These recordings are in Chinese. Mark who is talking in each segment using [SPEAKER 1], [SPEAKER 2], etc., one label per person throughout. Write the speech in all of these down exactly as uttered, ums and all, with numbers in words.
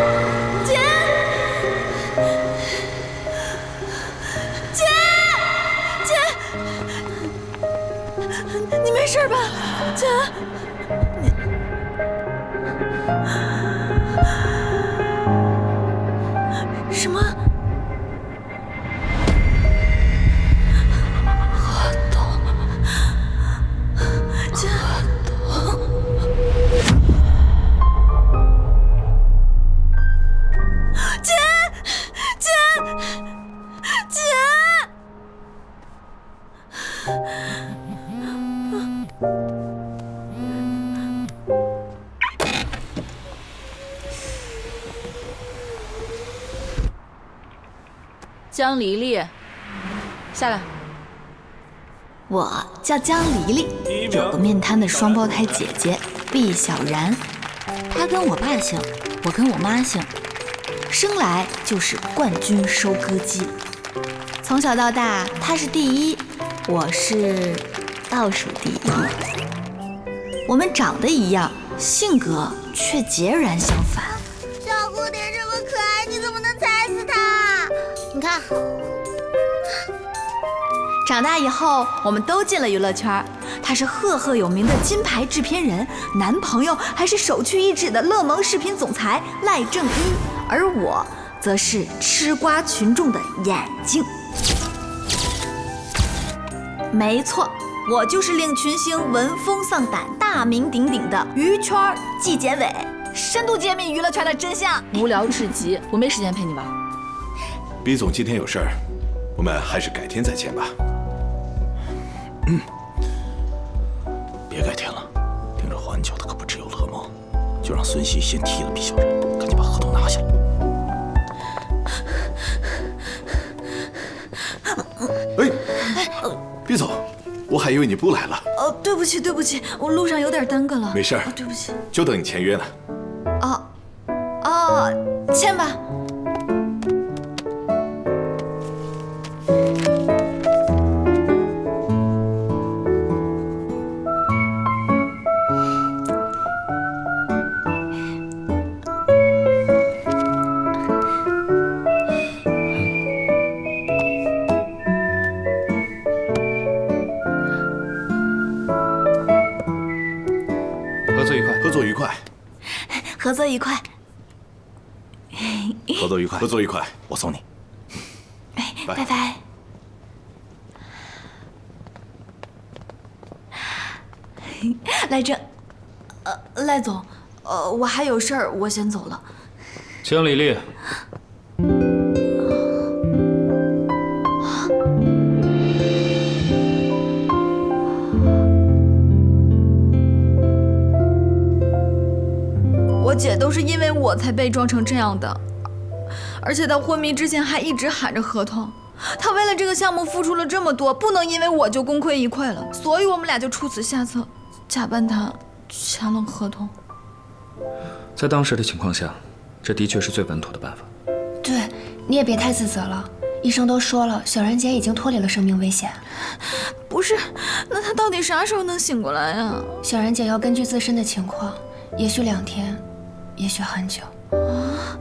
[SPEAKER 1] 姐，姐，姐，你没事吧？姐，你什么？合同？姐。
[SPEAKER 2] 江黎黎，下来。
[SPEAKER 1] 我叫江黎黎，有个面瘫的双胞胎姐姐毕小然，她跟我爸姓，我跟我妈姓，生来就是冠军收割机。从小到大，她是第一，我是倒数第一。我们长得一样，性格却截然相反。
[SPEAKER 3] 小蝴蝶这么可爱，你怎么能踩死它？你看，
[SPEAKER 1] 长大以后，我们都进了娱乐圈。他是赫赫有名的金牌制片人，男朋友还是首屈一指的乐檬视频总裁赖正一，而我则是吃瓜群众的眼睛。没错，我就是令群星闻风丧胆、大名鼎鼎的娱圈纪检委，深度揭秘娱乐圈的真相。
[SPEAKER 2] 无聊至极，我没时间陪你玩。
[SPEAKER 4] 毕总今天有事儿，我们还是改天再见吧。嗯，别改天了，盯着环球的可不只有乐檬，就让孙熙先踢了毕小然，赶紧把合同拿下来。哎，毕总，我还以为你不来了。
[SPEAKER 1] 哦，对不起，对不起，我路上有点耽搁了。
[SPEAKER 4] 没事儿、
[SPEAKER 1] 哦，对不起。
[SPEAKER 4] 就等你签约呢。
[SPEAKER 1] 哦，哦，签吧。
[SPEAKER 4] 合作愉快，合作愉快，
[SPEAKER 1] 合作愉快，
[SPEAKER 4] 合作愉快，合作愉快，我送你。
[SPEAKER 1] 哎，拜拜。赖正，呃，赖总，呃，我还有事儿，我先走了。
[SPEAKER 5] 江黎黎，
[SPEAKER 1] 我姐都是因为我才被撞成这样的，而且她昏迷之前还一直喊着合同。她为了这个项目付出了这么多，不能因为我就功亏一篑了，所以我们俩就出此下策，假扮她签了合同。
[SPEAKER 5] 在当时的情况下，这的确是最稳妥的办法。
[SPEAKER 6] 对，你也别太自责了。医生都说了，小然姐已经脱离了生命危险。
[SPEAKER 1] 不是，那她到底啥时候能醒过来呀？
[SPEAKER 6] 小然姐要根据自身的情况，也许两天，也许很久。
[SPEAKER 1] 啊！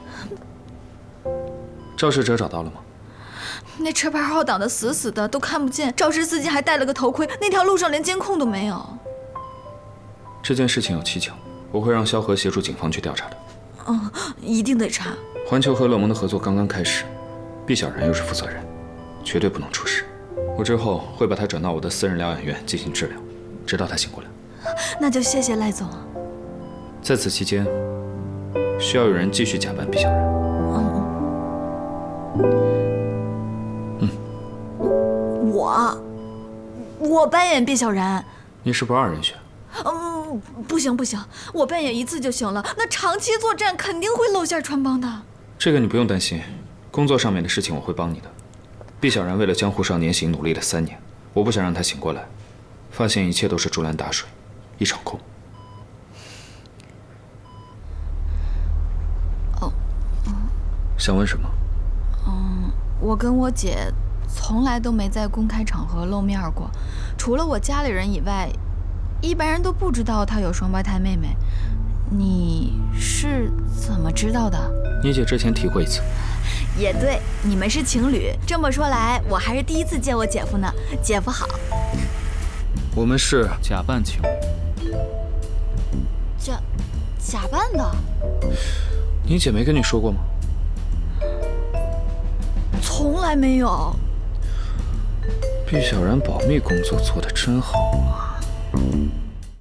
[SPEAKER 5] 肇事者找到了吗？
[SPEAKER 1] 那车牌号挡得死死的，都看不见。肇事司机还戴了个头盔，那条路上连监控都没有。
[SPEAKER 5] 这件事情有蹊跷，我会让萧何协助警方去调查的。
[SPEAKER 1] 嗯，一定得查。
[SPEAKER 5] 环球和乐檬的合作刚刚开始，毕小然又是负责人，绝对不能出事。我之后会把他转到我的私人疗养院进行治疗，直到他醒过来。
[SPEAKER 1] 那就谢谢赖总。
[SPEAKER 5] 在此期间，需要有人继续假扮毕小然。
[SPEAKER 1] 嗯。嗯。我，我扮演毕小然。
[SPEAKER 5] 你是不二人选。
[SPEAKER 1] 嗯，不行不行，我扮演一次就行了。那长期作战肯定会露馅穿帮的。
[SPEAKER 5] 这个你不用担心，工作上面的事情我会帮你的。毕小然为了江湖少年行努力了三年，我不想让他醒过来，发现一切都是竹篮打水，一场空。
[SPEAKER 1] 哦，嗯，
[SPEAKER 5] 想问什么？
[SPEAKER 1] 嗯，我跟我姐从来都没在公开场合露面过，除了我家里人以外，一般人都不知道她有双胞胎妹妹。 你是怎么知道的？
[SPEAKER 5] 你姐之前提过一次。
[SPEAKER 1] 也对，你们是情侣。这么说来，我还是第一次见我姐夫呢。姐夫好。
[SPEAKER 5] 我们是假扮情侣。
[SPEAKER 1] 假假扮的？
[SPEAKER 5] 你姐没跟你说过吗？
[SPEAKER 1] 从来没有。
[SPEAKER 5] 毕小然保密工作做得真好啊。